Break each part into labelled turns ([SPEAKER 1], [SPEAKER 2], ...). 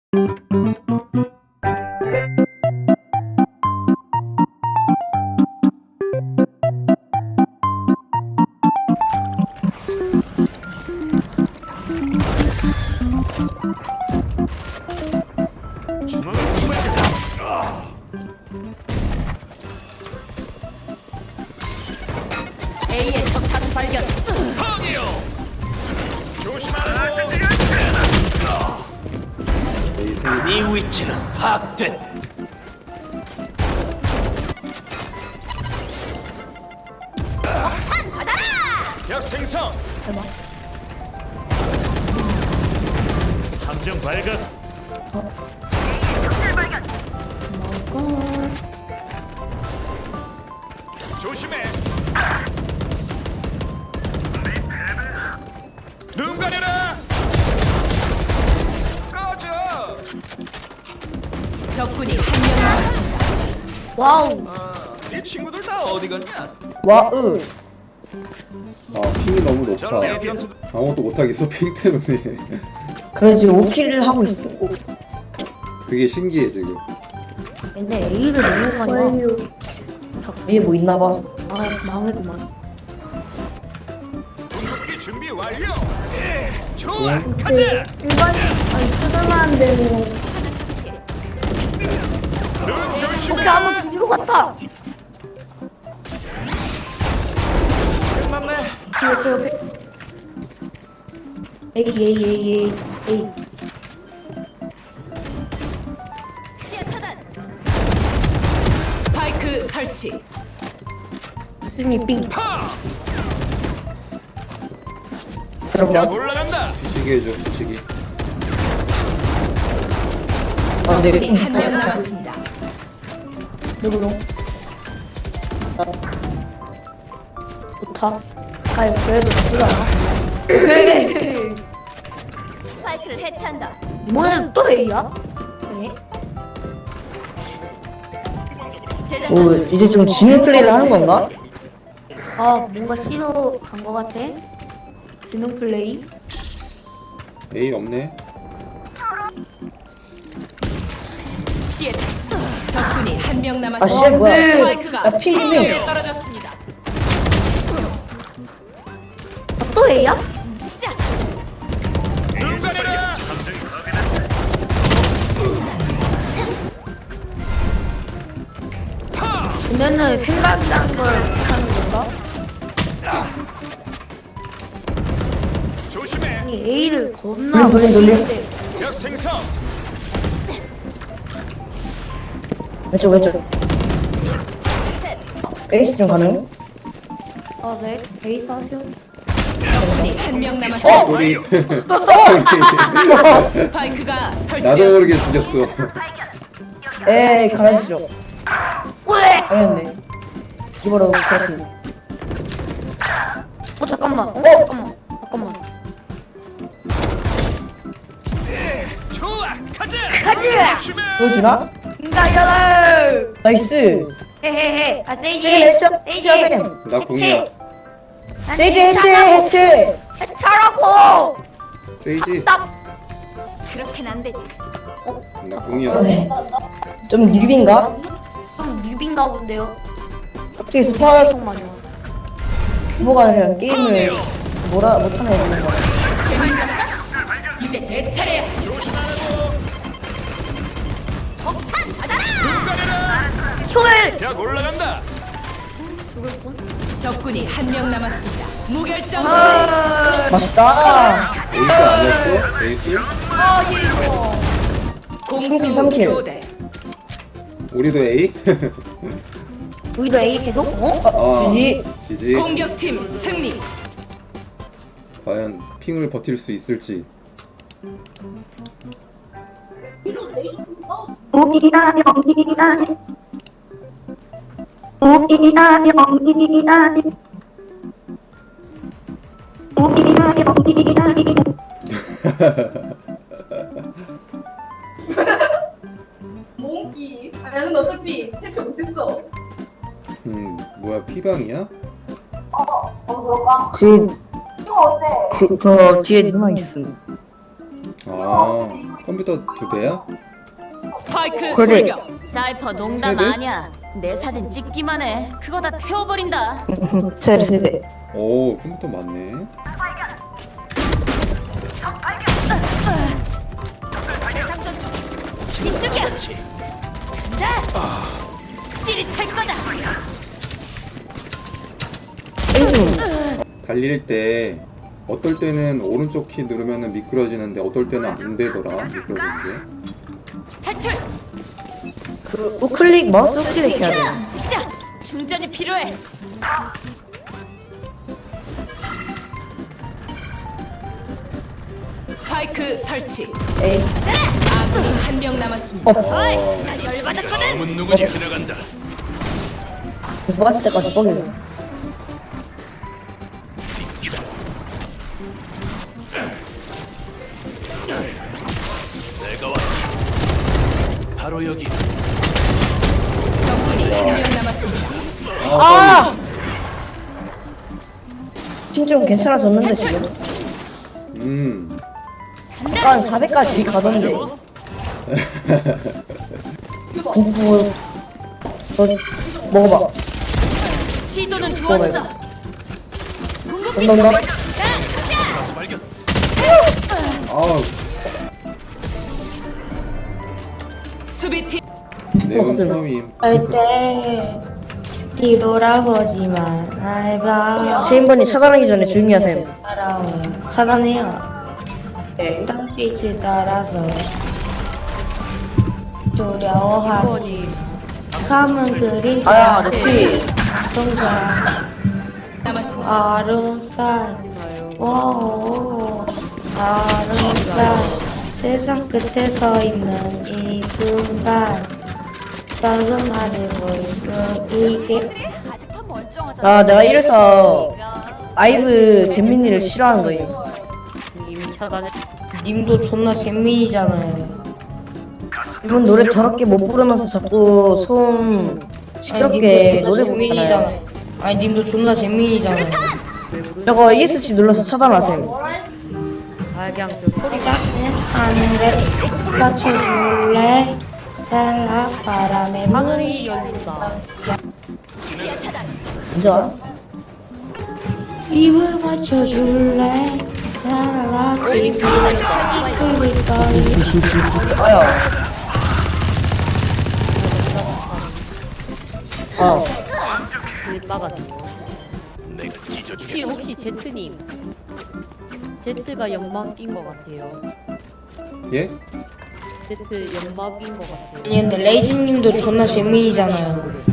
[SPEAKER 1] A의 적 다수 발견.
[SPEAKER 2] 네 위치는 파악됐.
[SPEAKER 1] 폭탄 받아라.
[SPEAKER 2] 약 생성.
[SPEAKER 3] 대박.
[SPEAKER 2] 함정 발견.
[SPEAKER 3] 먹어.
[SPEAKER 2] 조심해. 눈 가려라. 꺼져.
[SPEAKER 1] 적군이 한 명 남았습니다.
[SPEAKER 3] 와우.
[SPEAKER 2] 네 친구들 다 어디 갔냐?
[SPEAKER 4] 와으.
[SPEAKER 5] 아 핑이 너무 높아.
[SPEAKER 2] 저 레디언트
[SPEAKER 5] 아무것도 못하겠어 핑 때문에.
[SPEAKER 4] 그래 지금 5킬을 하고 있어.
[SPEAKER 5] 그게 신기해 지금.
[SPEAKER 3] 근데 A를 너무 많이 와.
[SPEAKER 4] 위에 뭐 있나봐.
[SPEAKER 3] 아 망했구만.
[SPEAKER 2] 궁극기 준비 완료. 좋아, 가자.
[SPEAKER 3] 일반 아니 쓰다만 되는.
[SPEAKER 2] 눈 조심해.
[SPEAKER 3] 오케이 한번 죽이고 갔다.
[SPEAKER 2] 끝났네.
[SPEAKER 3] 옆에. A.
[SPEAKER 1] 시야 차단. 스파이크 설치.
[SPEAKER 3] 스미 삥.
[SPEAKER 2] 파.
[SPEAKER 4] 들어봐.
[SPEAKER 2] 약 올라간다.
[SPEAKER 5] 부시기 해줘 부시기.
[SPEAKER 4] 아 근데
[SPEAKER 1] 적군이 한 명 남았습니다.
[SPEAKER 3] 누구로? 좋다. 아이 그래도 나쁘지 않아.
[SPEAKER 1] 스파이크를 해체한다.
[SPEAKER 3] 이번에는 또 A야? 네.
[SPEAKER 1] 제작
[SPEAKER 4] 오 이제 좀 지능 플레이를 하는 건가?
[SPEAKER 3] 아 뭔가 C로 간 거 같아. 지능 플레이.
[SPEAKER 5] A 없네.
[SPEAKER 1] 시에 적군이 한 명
[SPEAKER 4] 아
[SPEAKER 1] 남았습니다.
[SPEAKER 4] 씨 뭐야?
[SPEAKER 1] 스파이크가
[SPEAKER 4] 나 피 좀.
[SPEAKER 1] B에 떨어졌습니다.
[SPEAKER 3] 아, 또 A야?
[SPEAKER 1] 시작.
[SPEAKER 2] 눈 가려라.
[SPEAKER 3] 근데는 생각이라는 걸 하는 건가?
[SPEAKER 2] 조심해.
[SPEAKER 3] 아니 A를 겁나
[SPEAKER 4] 돌림.
[SPEAKER 3] 돌리는데
[SPEAKER 2] 약 생성.
[SPEAKER 4] 왼쪽.
[SPEAKER 1] 셋.
[SPEAKER 4] 에이스 좀 가능?
[SPEAKER 3] 아 네. 베이스 하세요.
[SPEAKER 1] 적군이 한 명 남았습니다.
[SPEAKER 5] 소리.
[SPEAKER 1] 스파이크가
[SPEAKER 5] 나도
[SPEAKER 1] 설치되었습니다.
[SPEAKER 5] 모르게 죽였어.
[SPEAKER 4] 에이 갈아주죠.
[SPEAKER 3] 왜?
[SPEAKER 4] 아니었네. 이거로 그렇게.
[SPEAKER 3] 잠깐만. 잠깐만.
[SPEAKER 2] 좋아, 가자.
[SPEAKER 3] 가자!
[SPEAKER 2] 조심해.
[SPEAKER 4] 보여주나?
[SPEAKER 3] 인가야라.
[SPEAKER 4] 나이스.
[SPEAKER 3] 헤헤헤. 아 세이지.
[SPEAKER 4] 세이지 하세요.
[SPEAKER 5] 나 궁이야.
[SPEAKER 4] 세이지 해체.
[SPEAKER 3] 해차라고.
[SPEAKER 5] 세이지.
[SPEAKER 3] 딱.
[SPEAKER 1] 그렇게는 안 되지.
[SPEAKER 5] 나 궁이야.
[SPEAKER 4] 네. 좀 뉴비인가?
[SPEAKER 3] 좀 뉴비인가 본데요.
[SPEAKER 4] 어떻게 스파이
[SPEAKER 3] 정말요.
[SPEAKER 4] 뭐가 아니라 게임을 뭐라 못하는 애들인 거야.
[SPEAKER 1] 재밌었어? 이제 내 차례야. 폭탄 받아라.
[SPEAKER 2] 눈 가려라.
[SPEAKER 3] 효율.
[SPEAKER 2] 약 올라간다.
[SPEAKER 3] 죽을 뻔.
[SPEAKER 1] 적군이 한 명 남았습니다. 무결점.
[SPEAKER 4] 맛있다.
[SPEAKER 5] 에이스 아니었어? 에이스?
[SPEAKER 1] 공수
[SPEAKER 4] 삼킬.
[SPEAKER 1] 교대.
[SPEAKER 5] 우리도 A?
[SPEAKER 3] 우리도 A 계속? 어?
[SPEAKER 4] 지지.
[SPEAKER 5] 지지.
[SPEAKER 1] 공격팀 승리.
[SPEAKER 5] 과연 핑을 버틸 수 있을지.
[SPEAKER 6] 몽키. 아니 근데 어차피 대체 못했어.
[SPEAKER 5] 뭐야 피방이야?
[SPEAKER 6] 그럴까?
[SPEAKER 4] 뒤에
[SPEAKER 6] 이거 어때?
[SPEAKER 4] 저 뒤에 누나 있음.
[SPEAKER 5] 아
[SPEAKER 6] 이거
[SPEAKER 5] 컴퓨터 2대야?
[SPEAKER 1] 스파이크
[SPEAKER 3] 그래.
[SPEAKER 1] 돌격.
[SPEAKER 7] 사이퍼 농담
[SPEAKER 5] 세대?
[SPEAKER 7] 아니야. 내 사진 찍기만 해. 그거 다 태워버린다.
[SPEAKER 4] 세대.
[SPEAKER 5] 오, 컴퓨터 많네.
[SPEAKER 7] 집중이야. 간다. 찌릿할 거다.
[SPEAKER 5] 달릴 때 어떨 때는 오른쪽 키 누르면은 미끄러지는데 어떨 때는 안 되더라. 미끄러지는 게.
[SPEAKER 7] 탈출.
[SPEAKER 4] 그 우클릭 마우스 우클릭 해야 돼.
[SPEAKER 7] 찍자. 충전이 필요해.
[SPEAKER 1] 스파이크 설치.
[SPEAKER 4] 에이.
[SPEAKER 1] 아군이 한 명 남았습니다.
[SPEAKER 7] 어이, 나 열받았거든.
[SPEAKER 2] 검은 누구지 지나간다.
[SPEAKER 4] 뭐가 할 때까지 뻥이네.
[SPEAKER 2] 내가 왔다. 바로 여기.
[SPEAKER 1] 적군이 한 명 남았습니다.
[SPEAKER 4] 아! 핀좀 괜찮아졌는데 지금. 약간 400까지 가던데. 공부 너 먹어봐.
[SPEAKER 7] 시도는 좋았어.
[SPEAKER 4] 감사합니다.
[SPEAKER 2] 가스 발견.
[SPEAKER 5] 아,
[SPEAKER 1] 수비팀
[SPEAKER 5] 내용 처음임.
[SPEAKER 8] 절대 뒤돌아보지만 날 봐.
[SPEAKER 4] 체인번이 차단하기 전에 조용히 하세요.
[SPEAKER 8] 따라와 차단해요.
[SPEAKER 4] 네.
[SPEAKER 8] 땅빛을 따라서 두려워하지. 감은 그리
[SPEAKER 4] 아야, 럭비.
[SPEAKER 8] 동작
[SPEAKER 1] 남았습니다.
[SPEAKER 8] 아름살 오 아름살 세상 끝에 서 있는 이 순간 작은 나를 볼 수 있게
[SPEAKER 4] 아, 내가 이래서 아이브 잼민이를 싫어하는 거예요.
[SPEAKER 8] 님도 존나 잼민이잖아요.
[SPEAKER 4] 이분 노래 더럽게 못 부르면서 자꾸 소음 시끄럽게 노래 부르잖아요.
[SPEAKER 8] 아니 님도 존나 잼민이잖아요.
[SPEAKER 4] 저거 ESC 눌러서 차단하세요.
[SPEAKER 8] 하늘에 맞춰줄래? 달라 바람에 하늘이
[SPEAKER 4] 먼저
[SPEAKER 8] 입을 맞춰줄래? 달라 비비는 소리
[SPEAKER 4] 아야. 어.
[SPEAKER 2] 내가 찢어주겠어.
[SPEAKER 9] 혹시 제트님 제트가 연막 낀것 같아요.
[SPEAKER 5] 예?
[SPEAKER 9] 제트 연막 낀것 같아요.
[SPEAKER 8] 아니 근데 레이즈님도 존나 잼민이잖아요.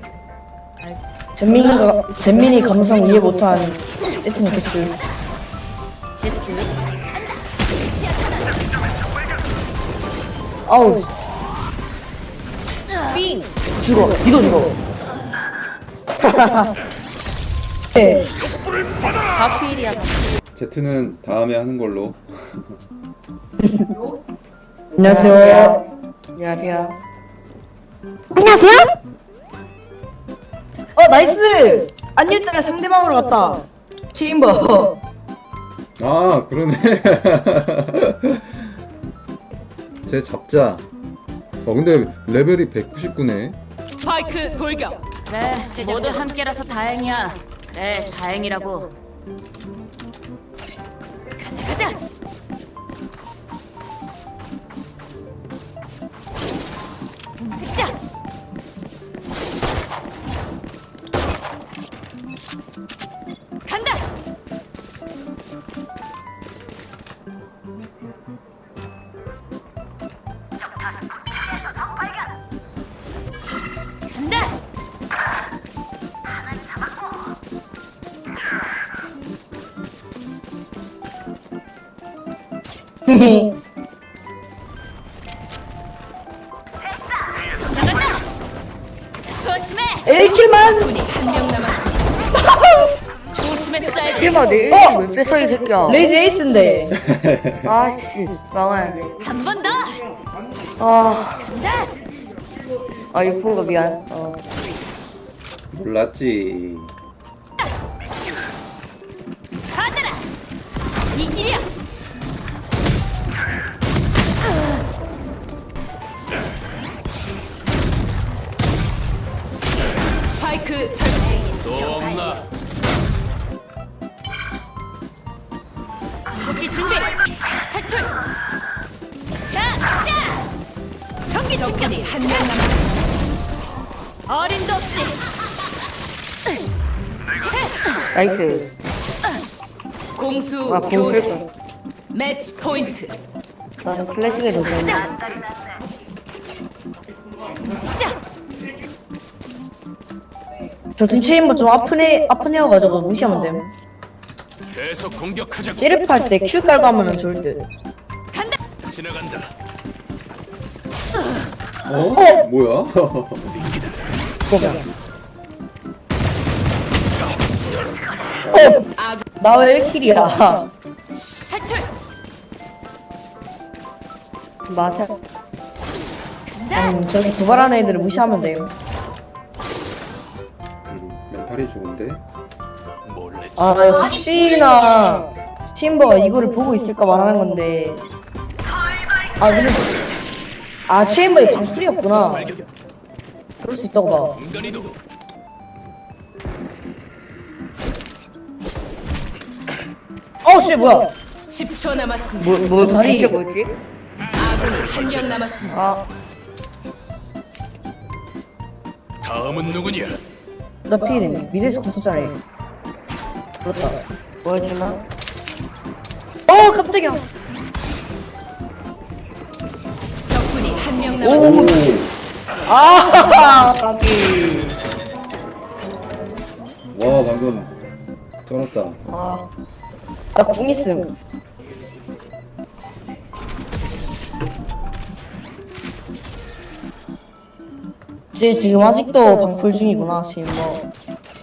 [SPEAKER 4] 잼민이 감성 이해 못한 세팅 대출.
[SPEAKER 9] 제트
[SPEAKER 4] 아우.
[SPEAKER 9] 삥!
[SPEAKER 4] 죽어. 니도 죽어. 네.
[SPEAKER 9] 가필이야.
[SPEAKER 5] 제트는 다음에 하는 걸로.
[SPEAKER 4] 안녕하세요. 안녕하세요.
[SPEAKER 8] 안녕하세요?
[SPEAKER 4] 나이스! 안유딸 상대방으로 갔다. 체인버.
[SPEAKER 5] 아, 그러네. 쟤 잡자. 근데 레벨이 199네.
[SPEAKER 1] 스파이크 돌격.
[SPEAKER 7] 그래, 모두 함께라서 다행이야. 그래, 다행이라고. 가자, 가자. 움직이자. 간다. 간다. 나간다. 조심해.
[SPEAKER 4] 1킬만!
[SPEAKER 1] 적군이 한 명 남았습니다.
[SPEAKER 7] 조심했어야지.
[SPEAKER 9] 씨발 내 에이스 왜 뺏어 이 새끼야.
[SPEAKER 4] 레이즈 에이스인데.
[SPEAKER 9] 아씨 망할.
[SPEAKER 7] 한 번 더.
[SPEAKER 9] 아,
[SPEAKER 7] 간다.
[SPEAKER 9] 아 이거 푼거 미안.
[SPEAKER 5] 몰랐지.
[SPEAKER 7] 받아라. 이 길이야.
[SPEAKER 1] 적군이 한 명 남았습니다. 어림도 없지.
[SPEAKER 9] 나이스.
[SPEAKER 1] 공수
[SPEAKER 9] 아, 공 쓸
[SPEAKER 1] 교대.
[SPEAKER 9] 거.
[SPEAKER 1] 매치 포인트.
[SPEAKER 9] 나는 클래식에 더 좋은데.
[SPEAKER 4] 저팀 체인버 좀 아픈 애여가지고 무시하면 돼.
[SPEAKER 2] 계속 공격하자.
[SPEAKER 4] 찌르할 때 Q 깔고 하면 좋을 듯.
[SPEAKER 2] 지나간다.
[SPEAKER 5] 어? 뭐야?
[SPEAKER 4] 나 왜 1킬이야?
[SPEAKER 1] 탈출.
[SPEAKER 4] 맞아. 저기 도발하는 애들을 무시하면 돼.
[SPEAKER 5] 멘탈이 좋은데.
[SPEAKER 2] 몰래
[SPEAKER 4] 아, 혹시나 체인버가 이거를 보고 있을까 말하는 건데. 아, 근데 체인버의 방풀이었구나. 그럴 수 있다고 봐.
[SPEAKER 2] 공간이도
[SPEAKER 4] 씨, 뭐야?
[SPEAKER 1] 10초 남았습니다.
[SPEAKER 9] 뭐
[SPEAKER 4] 다리.
[SPEAKER 9] 진짜 뭐지?
[SPEAKER 1] 아군이 한 명 남았습니다.
[SPEAKER 9] 아,
[SPEAKER 2] 다음은 누구냐?
[SPEAKER 4] 나 피해네. 미래에서 갔었잖아. 그렇다.
[SPEAKER 9] 뭐였지나?
[SPEAKER 4] 깜짝이야.
[SPEAKER 1] 적군이 한 명
[SPEAKER 5] 오.
[SPEAKER 1] 남았습니다.
[SPEAKER 9] 까비.
[SPEAKER 5] 와 방금 쩔었다.
[SPEAKER 4] 나 궁 있음. 쟤 지금 아직도 방풀 중이구나, 체인버.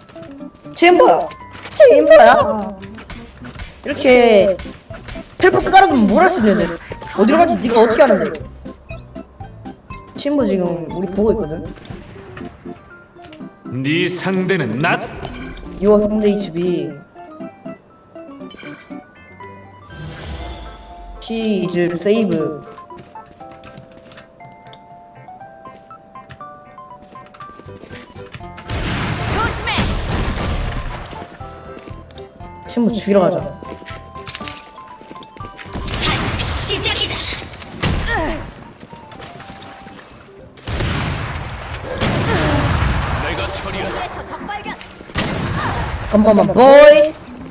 [SPEAKER 4] 체인버야? 이렇게 텔포 깔아두면 뭘 할 수 있는데? 어디로 갈지 네가 어떻게 아는데? 체인버 지금 우리 보고 있거든?
[SPEAKER 2] 네 상대는 나.
[SPEAKER 4] 6호 3대 HB 시즈 세이브
[SPEAKER 1] 조심해.
[SPEAKER 4] 친구 죽이러 가자.
[SPEAKER 1] 시작이다.
[SPEAKER 2] 내가 처리하지.
[SPEAKER 4] Come on my boy.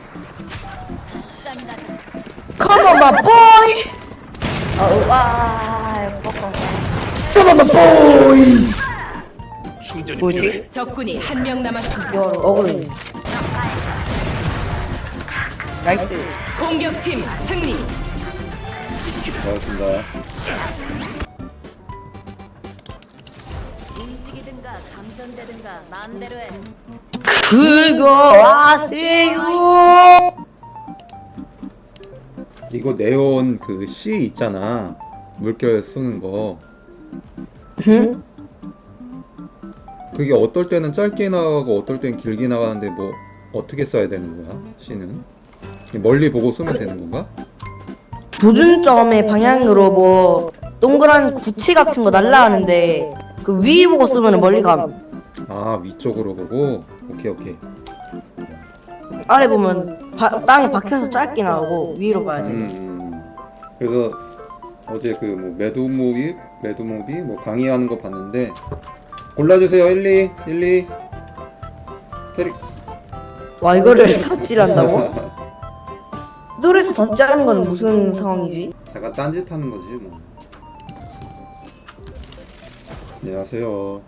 [SPEAKER 4] Come on my boy. Come on my boy.
[SPEAKER 2] 충전이 필요해.
[SPEAKER 9] 뭐지?
[SPEAKER 1] 적군이 한 명 남았습니다.
[SPEAKER 4] 어그로.
[SPEAKER 9] 나이스.
[SPEAKER 1] 공격팀 승리.
[SPEAKER 5] 고맙습니다.
[SPEAKER 7] 움직이든가 감전되든가 마음대로 해.
[SPEAKER 4] 그거 아세요?
[SPEAKER 5] 이거 네온 그 C 있잖아. 물결 쓰는 거.
[SPEAKER 4] 응?
[SPEAKER 5] 그게 어떨 때는 짧게 나가고 어떨 때는 길게 나가는데 뭐 어떻게 써야 되는 거야? C는? 멀리 보고 쓰면 되는 건가?
[SPEAKER 4] 조준점의 방향으로 뭐 동그란 구체 같은 거 날라가는데 그 위 보고 쓰면 멀리 감.
[SPEAKER 5] 아 위쪽으로 보고. 오케이.
[SPEAKER 4] 아래 보면 땅에 박혀서 짧게 나오고 위로 봐야 돼.
[SPEAKER 5] 그래서 어제 그 뭐 매드무비 뭐 강의하는 거 봤는데 골라주세요 1, 2 테릭.
[SPEAKER 4] 와, 이거를 삽질한다고? 노래에서 덧지하는 건 무슨 상황이지?
[SPEAKER 5] 잠깐 딴짓 하는 거지 뭐. 안녕하세요.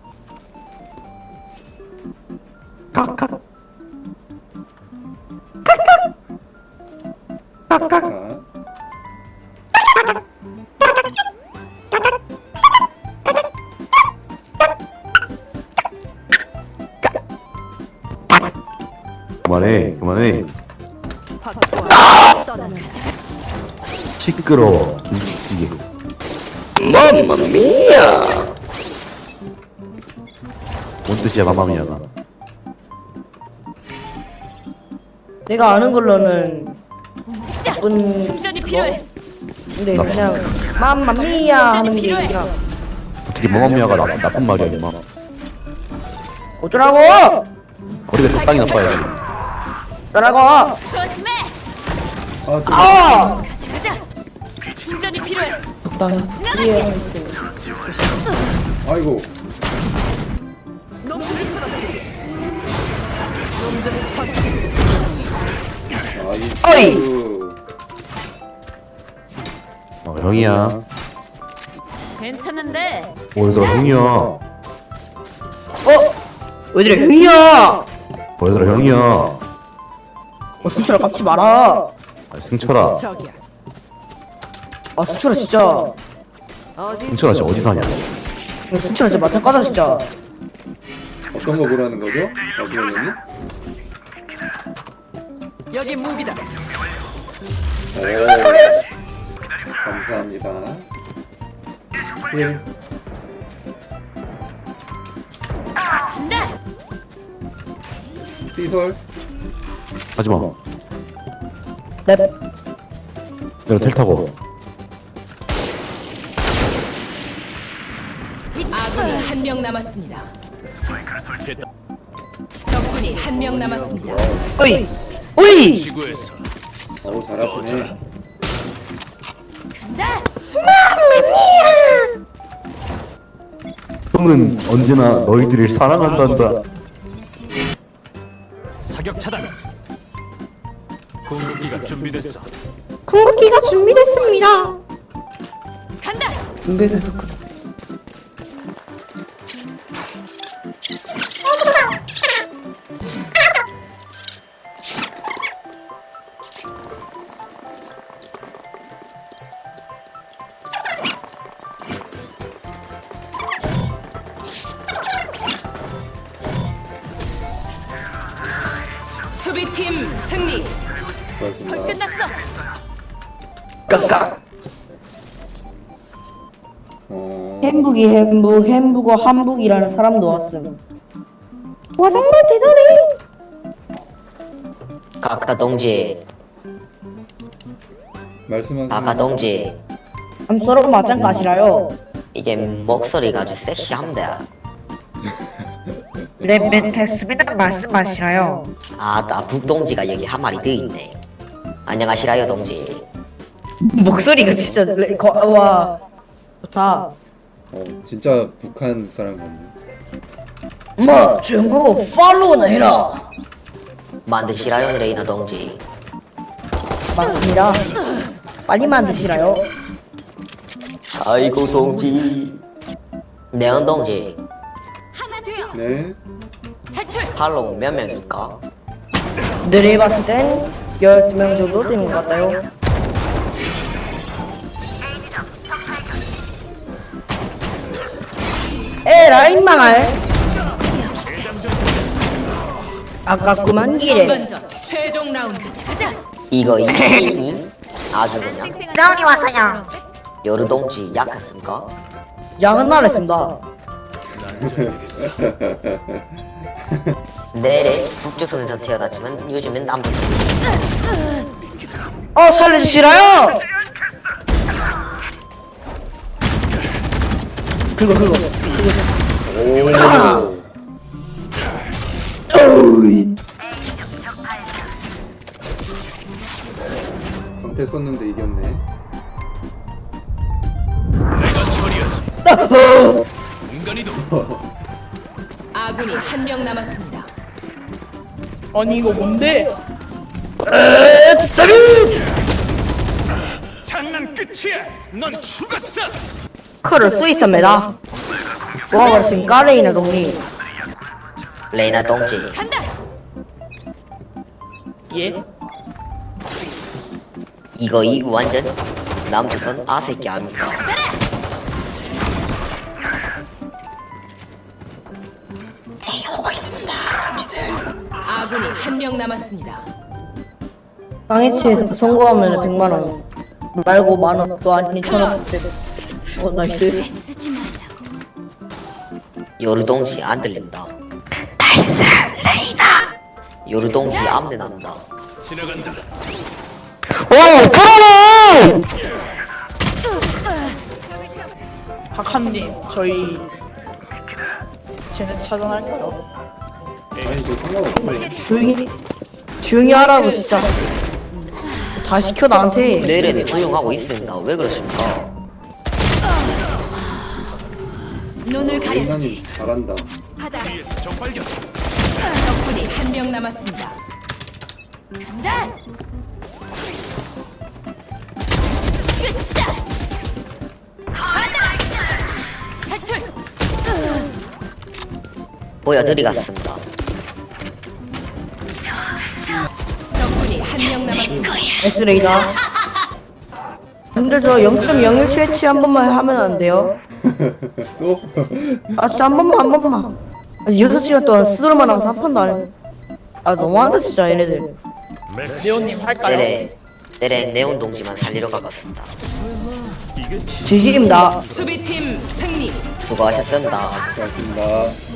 [SPEAKER 5] 자,
[SPEAKER 10] 그만해. 시끄러워. 김치찌개. 맘마미야. 뭔 뜻이야 맘마미야가?
[SPEAKER 4] 내가 아는 걸로는 나쁜
[SPEAKER 1] 충전이 필요해.
[SPEAKER 4] 근데 그냥 맘마미야 하는 게 그냥
[SPEAKER 10] 어떻게 맘마미야가 나쁜 말이야 임마.
[SPEAKER 4] 어쩌라고!
[SPEAKER 10] 머리가 적당히 나빠요.
[SPEAKER 4] 어쩌라고!
[SPEAKER 1] 조심해.
[SPEAKER 4] 아!
[SPEAKER 1] 가자. 충전이 필요해.
[SPEAKER 4] 위에 있어.
[SPEAKER 5] 아이고.
[SPEAKER 1] 놈들을 쓰러뜨리게. 놈들을 처치.
[SPEAKER 5] 나이스.
[SPEAKER 10] 형이야.
[SPEAKER 7] 괜찮은데.
[SPEAKER 10] 얘들아 형이야.
[SPEAKER 4] 얘들아 형이야.
[SPEAKER 10] 얘들아 형이야.
[SPEAKER 4] 승철아 깝치 마라.
[SPEAKER 10] 승철아.
[SPEAKER 1] 저기야.
[SPEAKER 4] 승철아 진짜.
[SPEAKER 1] 어디
[SPEAKER 10] 승철아 진짜 어디 사냐?
[SPEAKER 4] 승철아 진짜 맞짱 까자 진짜.
[SPEAKER 5] 어떤 거 보라는 거죠? 아시겠니?
[SPEAKER 1] 여기 무기다.
[SPEAKER 5] 감사합니다. 예.
[SPEAKER 7] 간다.
[SPEAKER 5] 시설.
[SPEAKER 10] 하지마.
[SPEAKER 4] 넵.
[SPEAKER 10] 내가 텔 타고.
[SPEAKER 1] 아군이 한 명 남았습니다. 적군이 한 명 남았습니다.
[SPEAKER 4] 어이. 어이.
[SPEAKER 2] 지구에서
[SPEAKER 5] 오, 잘 아프네.
[SPEAKER 10] 형은 언제나 너희들을 사랑한단다.
[SPEAKER 2] 사격 차단. 공격기가 준비됐어.
[SPEAKER 3] 궁극기가 준비됐습니다.
[SPEAKER 7] 간다.
[SPEAKER 1] 수비팀 승리.
[SPEAKER 5] 고맙습니다.
[SPEAKER 7] 끝났어.
[SPEAKER 4] 깍깍.
[SPEAKER 3] 햄북이 햄북어 한북이라는 사람도 왔음. 와 정말 대단해.
[SPEAKER 11] 아까 동지,
[SPEAKER 5] 말씀하세요.
[SPEAKER 11] 아까 동지,
[SPEAKER 3] 암서로 맞짱 까시라요.
[SPEAKER 11] 이게 목소리가 아주 섹시합니다.
[SPEAKER 3] 랩 됐습니다. 말씀하시라요.
[SPEAKER 11] 아까 북동지가 여기 한 마리 더 있네. 안녕하시라요 동지.
[SPEAKER 4] 목소리가 진짜 와 좋다.
[SPEAKER 5] 진짜 북한 사람 같네.
[SPEAKER 4] 뭐 조용하고 팔로우나 해라.
[SPEAKER 11] 만드시라요 레이나 동지.
[SPEAKER 4] 맞습니다. 빨리 만드시라요.
[SPEAKER 11] 아이고 동지. 네온 동지,
[SPEAKER 7] 하나 돼요.
[SPEAKER 5] 네.
[SPEAKER 7] 탈출.
[SPEAKER 11] 팔로우 몇 명일까?
[SPEAKER 4] 늘 해봤을 땐 12명 정도 되는 것 같아요. 라인 망할. 아깝구만 기래.
[SPEAKER 1] 전반전 최종 라운드.
[SPEAKER 7] 가자.
[SPEAKER 11] 이거 이니 아주 그냥.
[SPEAKER 3] 짜온이 왔어요.
[SPEAKER 11] 여루 동지 약했습니까?
[SPEAKER 4] 양은 말했습니다.
[SPEAKER 11] 내래 북조선에서 태어났지만 요즘엔 남조선.
[SPEAKER 4] 살려주시라요. 긁어.
[SPEAKER 5] 방패 썼는데 이겼네.
[SPEAKER 2] 내가 처리하지. 인간이도
[SPEAKER 1] 아군이 한 명 남았습니다.
[SPEAKER 9] 아니 이거 뭔데?
[SPEAKER 2] 장난 끝이야. 넌 죽었어.
[SPEAKER 4] 칼을 쏘 있습니다. 뭐가 그렇습니까 레이나 동리?
[SPEAKER 11] 레이나 동지,
[SPEAKER 7] 간다.
[SPEAKER 9] 예?
[SPEAKER 11] 이거 완전 남조선 아새끼 아닙니까?
[SPEAKER 1] 아군이 한 명 남았습니다.
[SPEAKER 4] 강해치에서 선고하면 100만 원 말고 만 원 또 아니 1,000원. 나이스.
[SPEAKER 7] 쓰지 말라고.
[SPEAKER 11] 요루 동지 안 들린다. 나이스 레이나. 요루 동지 암내 난다.
[SPEAKER 2] 지나간다.
[SPEAKER 9] 박함님 저희 쟤네 차단할까요?
[SPEAKER 5] 아니, 저 상관없어.
[SPEAKER 4] 조용히 하라고 진짜. 다 시켜 나한테.
[SPEAKER 11] 내래는 조용하고 있습니다. 왜 그러십니까?
[SPEAKER 1] 눈을 가려주지.
[SPEAKER 5] 레이나님 잘한다.
[SPEAKER 1] 하다.
[SPEAKER 2] 뒤에서 적발견.
[SPEAKER 1] 적군이 한 명 남았습니다. 간다. 끝이다. 탈출.
[SPEAKER 11] 보여드리겠습니다.
[SPEAKER 1] 적군이 한 명 남았습니다.
[SPEAKER 4] S 레이나. 근데 저 0.017H 한 번만 하면 안 돼요?
[SPEAKER 5] 또?
[SPEAKER 4] 아 진짜 한 번만. 아직 6시간 동안 스스로만 하면서 한 판도 안 해. 아 너무한다 진짜 얘네들.
[SPEAKER 9] 네오님 할까요?
[SPEAKER 11] 네네 네온 동지만 살리러 가겠습니다.
[SPEAKER 4] 지지입니다.
[SPEAKER 1] 수비팀 승리.
[SPEAKER 11] 수고하셨습니다.
[SPEAKER 5] 고맙습니다.